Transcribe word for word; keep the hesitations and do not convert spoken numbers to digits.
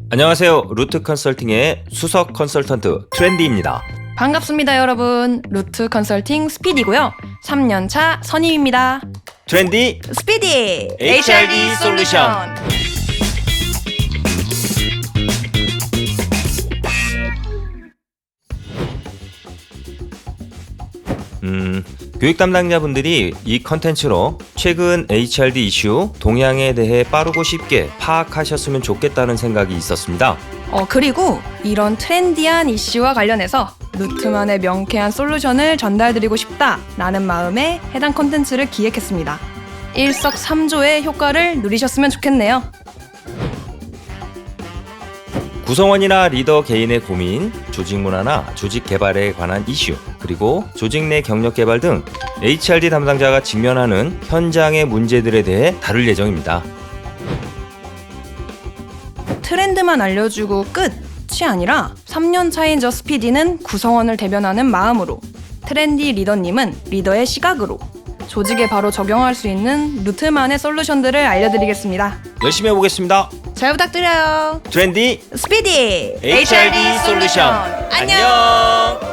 안녕하세요. 루트 컨설팅의 수석 컨설턴트 트렌디입니다. 반갑습니다, 여러분. 루트 컨설팅 스피디고요. 삼 년차 선임입니다. 트렌디 스피디 에이치알디 솔루션. 음, 교육 담당자분들이 이 컨텐츠로 최근 에이치알디 이슈 동향에 대해 빠르고 쉽게 파악하셨으면 좋겠다는 생각이 있었습니다. 어, 그리고 이런 트렌디한 이슈와 관련해서 루트만의 명쾌한 솔루션을 전달드리고 싶다라는 마음에 해당 콘텐츠를 기획했습니다. 일석삼조의 효과를 누리셨으면 좋겠네요. 구성원이나 리더 개인의 고민, 조직 문화나 조직 개발에 관한 이슈, 그리고 조직 내 경력 개발 등 에이치알디 담당자가 직면하는 현장의 문제들에 대해 다룰 예정입니다. 트렌드만 알려주고 끝이 아니라 삼 년 차인 저 스피디는 구성원을 대변하는 마음으로, 트렌디 리더님은 리더의 시각으로 조직에 바로 적용할 수 있는 루트만의 솔루션들을 알려드리겠습니다. 열심히 해보겠습니다. 잘 부탁드려요. 트렌디 스피디 에이치알디 솔루션. 안녕.